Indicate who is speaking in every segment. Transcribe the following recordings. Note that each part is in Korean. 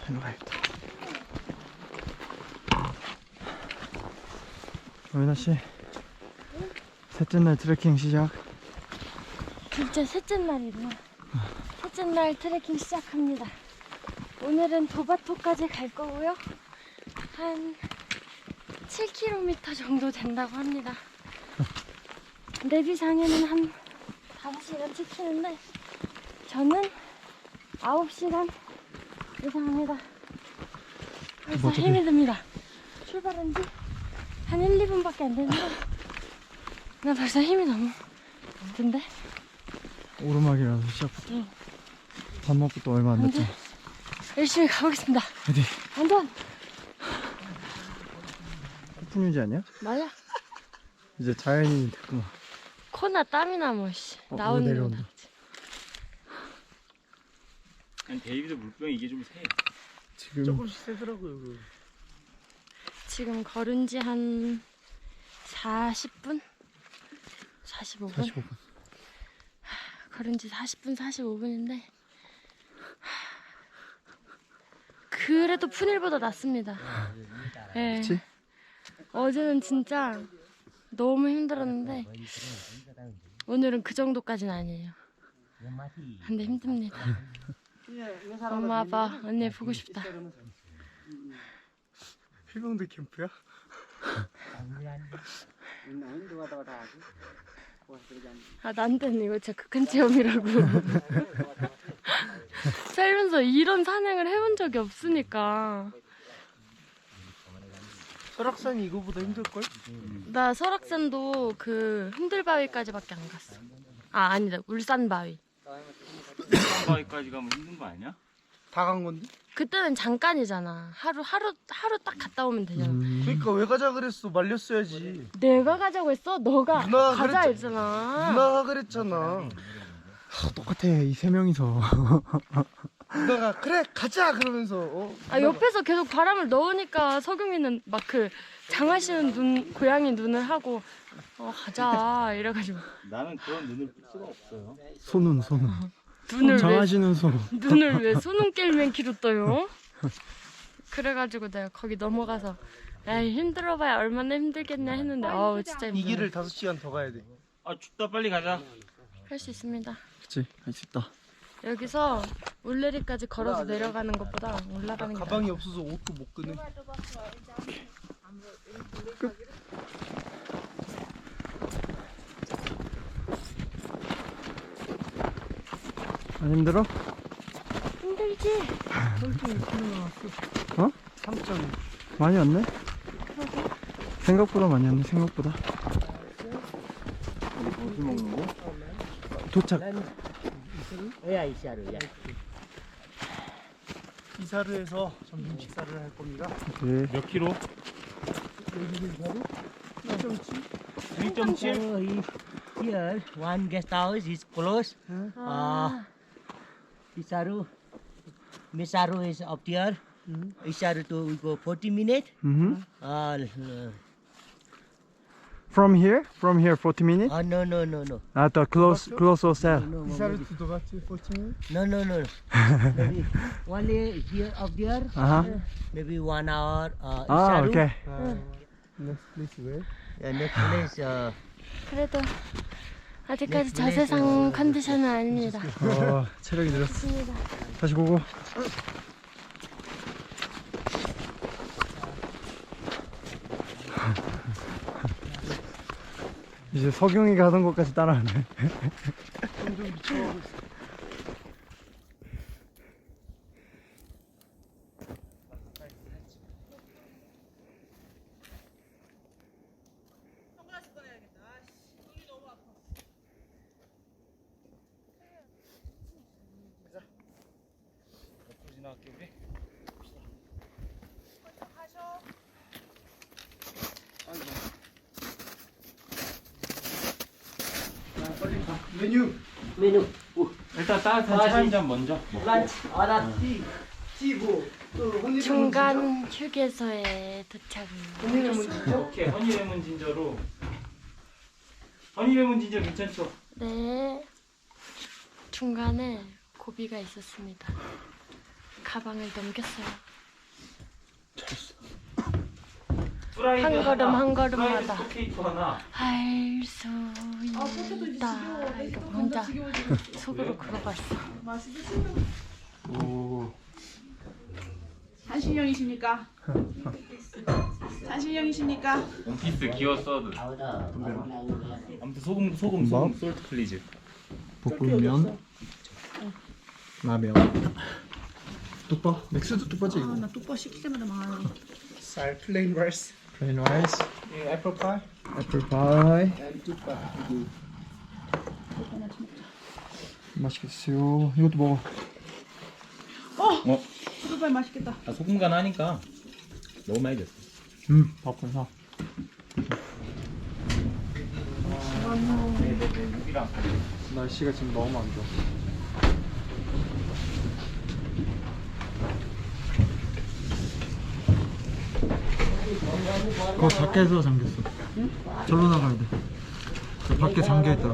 Speaker 1: 일로 가야겠다. 오연아 씨, 셋째 날 트레킹 시작.
Speaker 2: 진짜 셋째 날이구나. 셋째 날 트레킹 시작합니다. 오늘은 도바토까지 갈 거고요. 한 7km 정도 된다고 합니다. 내비상에는 한 5시간 찍히는데 저는 9시간 예상합니다. 벌써
Speaker 1: 뭐 어차피-
Speaker 2: 힘이 듭니다. 출발한 지 한 1, 2분밖에 안 됐는데 나 벌써 힘이 너무 든데?
Speaker 1: 오르막이라서 시작부터.
Speaker 2: 응.
Speaker 1: 밥 먹고 또 얼마 안
Speaker 2: 근데
Speaker 1: 됐죠.
Speaker 2: 열심히 가보겠습니다.
Speaker 1: 어디?
Speaker 2: 완전
Speaker 1: 폭풍 유지 아니야?
Speaker 2: 맞아.
Speaker 1: 이제 자연인이 됐구만.
Speaker 2: 코나 땀이나 뭐 씨,
Speaker 1: 이거
Speaker 2: 나오는 거
Speaker 1: 내려온다.
Speaker 2: 나오지.
Speaker 3: 아니 데이비드 물병 이게 좀 세.
Speaker 1: 지금
Speaker 3: 조금씩 세더라고요.
Speaker 2: 지금 걸은 지 한 40분? 45분?
Speaker 1: 45분.
Speaker 2: 걸은 지 40분, 45분인데 그래도 푼일보다 낫습니다. 예.
Speaker 1: 그치?
Speaker 2: 어제는 진짜 너무 힘들었는데 오늘은 그 정도까지는 아니에요. 근데 힘듭니다. 엄마 아빠 언니 보고 싶다.
Speaker 1: 해병대 캠프야?
Speaker 2: 아, 난데는 이거 진짜 극한 체험이라고. 살면서 이런 산행을 해본 적이 없으니까.
Speaker 1: 설악산이 이거보다 힘들걸?
Speaker 2: 나 설악산도 그 흔들바위까지밖에 안 갔어. 아, 아니다. 울산바위.
Speaker 3: 바위까지 가면 힘든 거 아니야?
Speaker 1: 다 간 건데?
Speaker 2: 그때는 잠깐이잖아. 하루 딱 갔다 오면 되잖아.
Speaker 4: 그러니까 왜 가자 그랬어? 말렸어야지.
Speaker 2: 내가 가자고 했어? 너가
Speaker 4: 누나가
Speaker 2: 가자
Speaker 4: 그랬잖아.
Speaker 2: 했잖아.
Speaker 4: 누나가 그랬잖아.
Speaker 1: 똑같아, 이 세 명이서.
Speaker 4: 누나가 그래 가자 그러면서
Speaker 2: 아, 옆에서 계속 바람을 넣으니까 석용이는 막 그 장하시는 고양이 눈을 하고 가자 이래가지고
Speaker 3: 나는 그런 눈을 풀 수가 없어요.
Speaker 1: 손은.
Speaker 2: 눈을 왜
Speaker 1: 장하시는 손.
Speaker 2: 눈을 왜 수능길맨키로 떠요? 그래가지고 내가 거기 넘어가서 에이 힘들어봐야 얼마나 힘들겠냐 했는데 진짜
Speaker 4: 이
Speaker 2: 힘들어.
Speaker 4: 길을 5시간 더 가야 돼.
Speaker 3: 아 춥다 빨리 가자.
Speaker 2: 할 수 있습니다.
Speaker 1: 그치, 할 수 있다.
Speaker 2: 여기서 울레리까지 걸어서 내려가는 것보다 올라가는 게
Speaker 4: 가방이 없어서 옷도 못 끄네.
Speaker 1: 안 힘들어?
Speaker 2: 힘들지?
Speaker 1: 어?
Speaker 4: 3점.
Speaker 1: 많이 왔네? 생각보다 많이 왔네, 생각보다.
Speaker 3: 어디 먹는 거?
Speaker 1: 도착.
Speaker 4: 이사르에서 점심 식사를 할 겁니다.
Speaker 1: 네.
Speaker 3: 몇 킬로? 1.7?
Speaker 5: So here one guest house is closed. Isaru, Misaru is up there. Isaru to we go 40 minutes.
Speaker 1: From here? From here 40 minutes?
Speaker 5: No.
Speaker 1: At the close hotel.
Speaker 4: 이사르 두도같이 14분.
Speaker 5: No. Maybe only here up there.
Speaker 1: Uh-huh.
Speaker 5: Maybe 1 hour.
Speaker 1: Ah,
Speaker 5: Isaru.
Speaker 1: okay.
Speaker 4: Next place where?
Speaker 5: Next place.
Speaker 2: 그래도 아직까지 자세상 컨디션은 아닙니다.
Speaker 1: 체력이 늘었어.
Speaker 2: 좋습니다.
Speaker 1: 다시 고고. 이제 석용이가 하던 것까지 따라하네.
Speaker 4: 점점 미쳐가고 있어.
Speaker 3: 지나갈게 우리.
Speaker 4: 메뉴.
Speaker 5: Menu.
Speaker 3: 일단 따뜻한 차 한 잔 먼저.
Speaker 5: Lunch. Order tea.
Speaker 4: 티고 또 혼이레몬
Speaker 2: 중간 휴게소에 도착했습니다.
Speaker 3: 오케이 허니레몬 진저로. 허니레몬 진저 괜찮죠?
Speaker 2: 네. 중간에 고비가 있었습니다. 가방을 넘겼어요.
Speaker 3: 프라이드
Speaker 2: 한 걸음
Speaker 3: 하나,
Speaker 2: 한 걸음마다
Speaker 3: 프라이드 포테이토 하나.
Speaker 2: 할 수 있다. 이러고 혼자 속으로 그러고 있어.
Speaker 1: 오.
Speaker 6: 잔신형이십니까? 잔신형이십니까?
Speaker 3: 원피스 기어 서드. 아무튼 소금
Speaker 1: 뭐?
Speaker 3: 솔트 플리즈.
Speaker 1: 볶음면. 라면. 뚝바. 맥주도 뚝바지 이거.
Speaker 6: 나 뚝바 시킬 때마다 망하네.
Speaker 4: 쌀 plain rice.
Speaker 1: plain rice.
Speaker 4: Apple pie.
Speaker 1: 애플 파이.
Speaker 4: And 뚝바.
Speaker 1: 맛있겠어요. 이것도 먹어.
Speaker 6: 뚝바 맛있겠다.
Speaker 3: 아, 소금 간 하니까 너무 많이 됐어.
Speaker 1: 밥은 사.
Speaker 3: 여기랑
Speaker 1: 날씨가 지금 너무 안 좋아. 그거 밖에서 잠겼어. 절로 나가야 돼. 저 밖에 잠겨 있더라.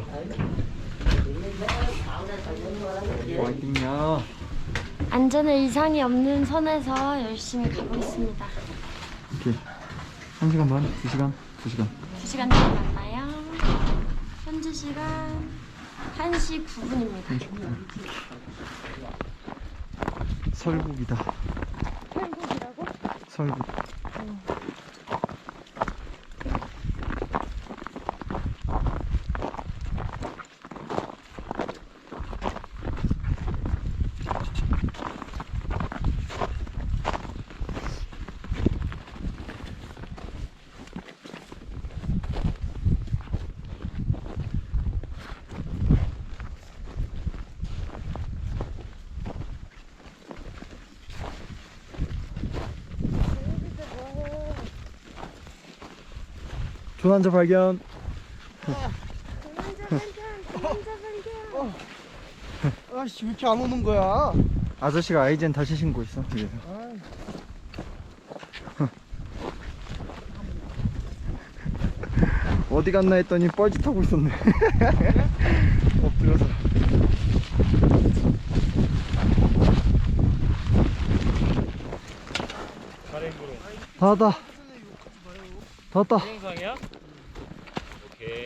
Speaker 1: 와이팅야.
Speaker 2: 안전에 이상이 없는 선에서 열심히 가고 있습니다.
Speaker 1: 오케이. 1시간 반? 2시간? 2시간.
Speaker 2: 2시간 뒤에 만나요. 현재 시간 1시 9분입니다.
Speaker 1: 설국이다.
Speaker 2: 한국이라고?
Speaker 1: 설국. 조난자 발견.
Speaker 4: 아씨 왜 이렇게 안 오는 거야?
Speaker 1: 아저씨가 아이젠 다시 신고 있어. 그래서. 어디 갔나 했더니 뻘짓하고 있었네. 엎드려서. 다 왔다. 다 왔다.
Speaker 3: 동영상이야? 오케이.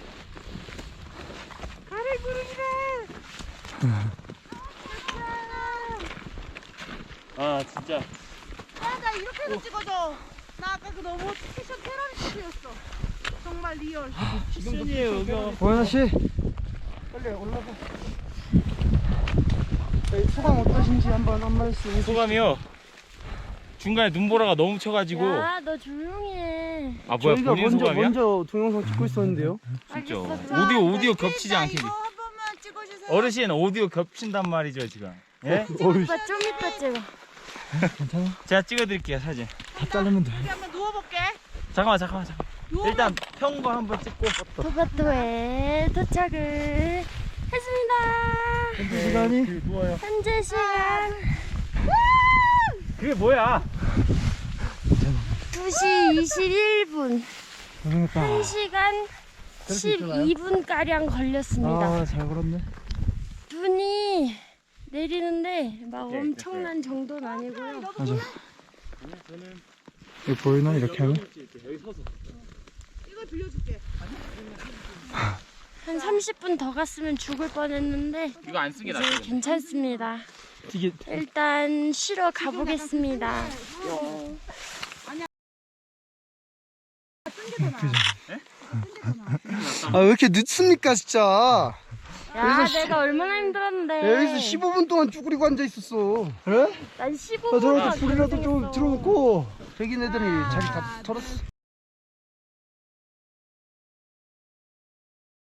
Speaker 3: 아 진짜
Speaker 6: 야, 나 이렇게 해서 찍어줘. 나 아까 그 너무 패션 테러리스트였어. 정말 리얼.
Speaker 3: 시즌이에요 여기.
Speaker 1: 고현아 씨.
Speaker 4: 빨리 올라가. 소감 어떠신지 한번 한 말씀.
Speaker 3: 소감이요. 중간에 눈보라가 너무 쳐가지고.
Speaker 2: 야, 너 조용히 해.
Speaker 3: 아 뭐야
Speaker 4: 저희가
Speaker 3: 본인 소감이야?
Speaker 4: 먼저 동영상 찍고 있었는데요.
Speaker 3: 진짜.
Speaker 2: 알겠어.
Speaker 3: 오디오 겹치지 않게.
Speaker 6: 이거 한 번만 찍어주세요.
Speaker 3: 어르신 오디오 겹친단 말이죠 지금. 예?
Speaker 2: 오빠 좀 이따 찍어.
Speaker 1: 괜찮아?
Speaker 3: 제가 찍어드릴게요 사진.
Speaker 1: 다 자르면 돼.
Speaker 6: 여기 한번 누워볼게.
Speaker 3: 잠깐만. 일단 평거 한번 찍고.
Speaker 2: 도바토에 도착을 했습니다.
Speaker 1: 현재 시간이
Speaker 2: 현재 시간
Speaker 3: 그게 뭐야?
Speaker 2: 2시 21분.
Speaker 1: 고생했다.
Speaker 2: 1시간 12분가량 걸렸습니다.
Speaker 1: 아, 잘 걸었네.
Speaker 2: 눈이 내리는데 막 엄청난 정도는 아니고요.
Speaker 1: 맞아. 이거 보이나? 이렇게 하면?
Speaker 6: 이거 빌려줄게.
Speaker 2: 한 30분 더 갔으면 죽을 뻔했는데
Speaker 3: 이거 안 쓰게
Speaker 2: 이제 괜찮습니다.
Speaker 1: 이게
Speaker 2: 일단 쉬러 가보겠습니다.
Speaker 4: 아 왜 이렇게 늦습니까 진짜?
Speaker 2: 야, 내가 얼마나 힘들었는데.
Speaker 4: 여기서 15분 동안 쭈그리고 앉아 있었어. 그래?
Speaker 2: 난
Speaker 4: 나
Speaker 2: 15분
Speaker 4: 저렇게 불이라도 좀 들어놓고 백인 애들이 자기 다 털었어.